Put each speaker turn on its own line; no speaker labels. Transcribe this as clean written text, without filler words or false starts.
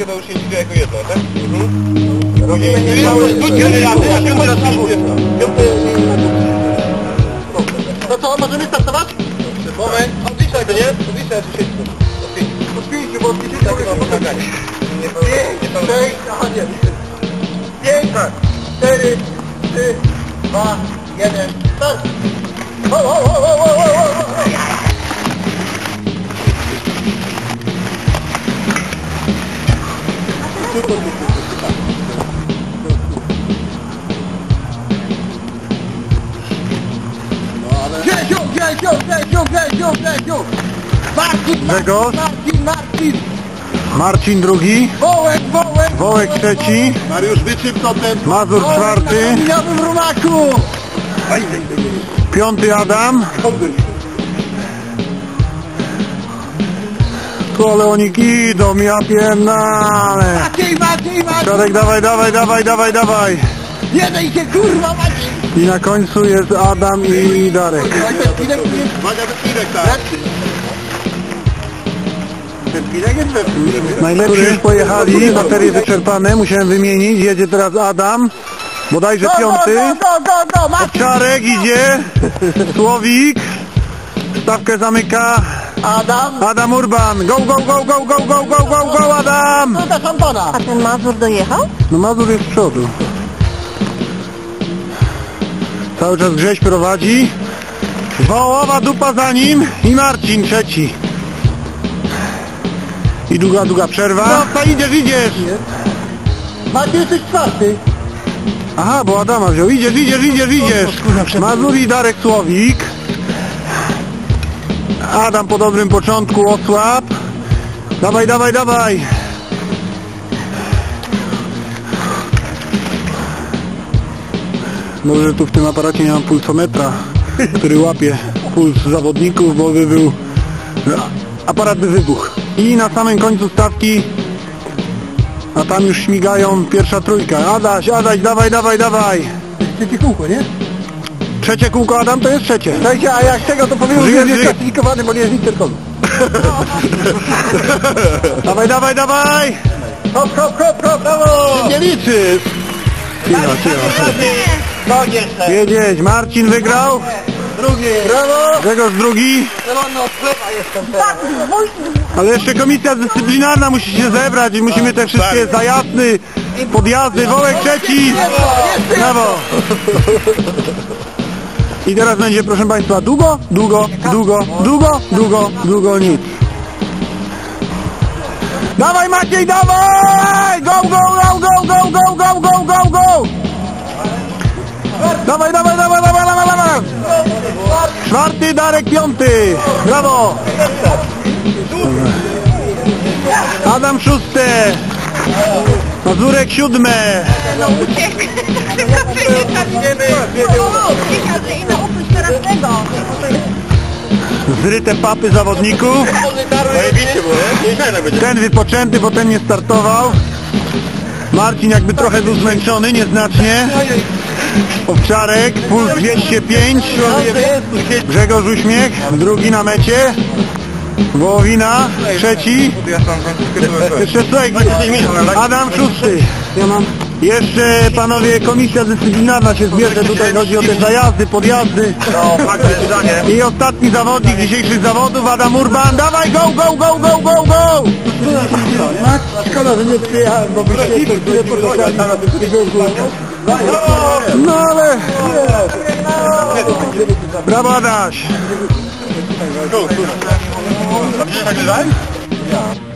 to już się liczy jako jedno, tak? No co, możemy startować? Moment, odliczaj to, nie? Odliczaj, czy się od 5, bo od 5 to jest pomaganie. 5, 6, aha nie. 5, 4, 3, 2, 1, start!
Grzegorz, Marcin drugi, Wołek trzeci,
Mariusz Wyczyp to ten...
Mazur czwarty, piąty Adam, tu Leonik idą, ja pierdolę. Czarek, dawaj.
Jeden się kurwa Maciej!
I na końcu jest Adam i Darek.
Uwaga, wypinek, tak?
Najlepsi już pojechali, baterie wyczerpane, musiałem wymienić. Jedzie teraz Adam, bodajże piąty. Czarek idzie, Słowik, stawkę zamyka Adam Urban. Go Adam!
A ten Mazur dojechał?
No Mazur jest z przodu. Cały czas Grześ prowadzi. Wołowa dupa za nim i Marcin trzeci. I długa przerwa. No, idziesz.
Maciej, jesteś czwarty.
Aha, bo Adama wziął. Idziesz. Mazur i Darek Słowik. Adam po dobrym początku osłab. Dawaj. Może tu w tym aparacie nie mam pulsometra, który łapie puls zawodników, bo by był... aparat by wybuchł. I na samym końcu stawki, a tam już śmigają pierwsza trójka. Adaś, dawaj.
Trzecie kółko, nie?
Trzecie kółko, Adam, to jest trzecie.
Słuchajcie, a jak tego to powiem, że jest klasyfikowany, bo nie jest interkom.
Dawaj.
Hop, brawo!
Nie liczysz.
No jeszcze.
Jedziesz, Marcin wygrał.
Drugi. Brawo!
Grzegorz drugi.
Zielono od chleba jestem teraz.
Ale jeszcze komisja dyscyplinarna musi się zebrać i musimy te wszystkie zajazdy, podjazdy. Wołek trzeci. Brawo. I teraz będzie, proszę Państwa, długo, nic. Dawaj Maciej, dawaj! Go! Dawaj! Czwarty, Darek piąty. Brawo! Adam szóste. Mazurek siódme.
No uciekł. I na oprócz teraz tego.
Zryte papy zawodników. Ten wypoczęty, bo ten nie startował. Marcin jakby trochę był zmęczony, nieznacznie. Owczarek, puls 205. Grzegorz uśmiech, drugi na mecie. Wołowina, trzeci. Jeszcze Adam szósty. Jeszcze panowie, komisja dyscyplinarna się zbierze, tutaj chodzi o te zajazdy, podjazdy. I ostatni zawodnik dzisiejszych zawodów, Adam Urban. Dawaj, go!
Szkoda, że nie przyjechałem, bo byście nie poczekali.
No ale... Brawo Adaś!